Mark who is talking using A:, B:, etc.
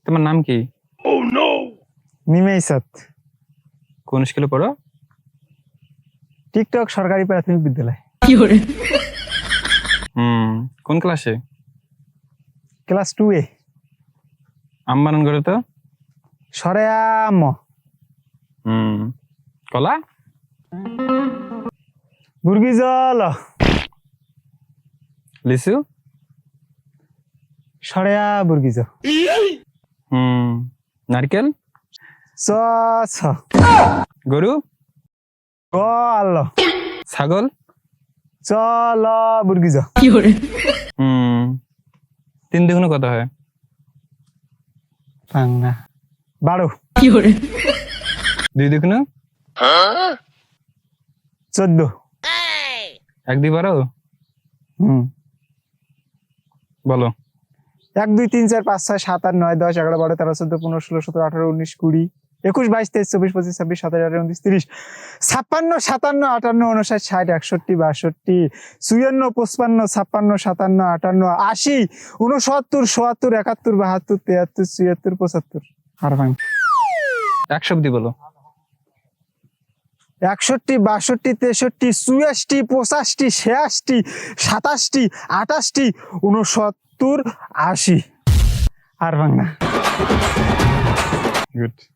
A: তোমার নাম কি?
B: নিমেইসাত।
A: কোন স্কুলে পড়ো?
B: টিকটক সরকারি প্রাথমিক বিদ্যালয়।
A: কোন ক্লাসে?
B: ক্লাস 2 এ।
A: আমবানন করে তো।
B: সরেয়াম।
A: কলা?
B: বুর্গি জল।
A: লিচু?
B: সরেয়া বুর্গি জ।
A: নারকেল?
B: চ ছ।
A: গরু?
B: গল।
A: ছাগল?
B: চল বুর্গি জ।
A: 3 দুগুণে কত হয়?
B: বাংলা 12।
A: 2 দুগুণে?
B: 14।
A: 1 2 12? বলো।
B: 1 2 3 4 5 6 7 8 9 10 11 12 13 14 15 16 17 18 19 20 21 22 23 24 25 26 27 28 29 30 56 57 58 59 60 61 62 54 55 56 57 58 80 69 70 71 72 73 74 75 আর ভাঙ
A: 100 অব্দি বলো।
B: 61 62 63 84 85 86 87 88 69 80 আর ভাঙ না।
A: গুড।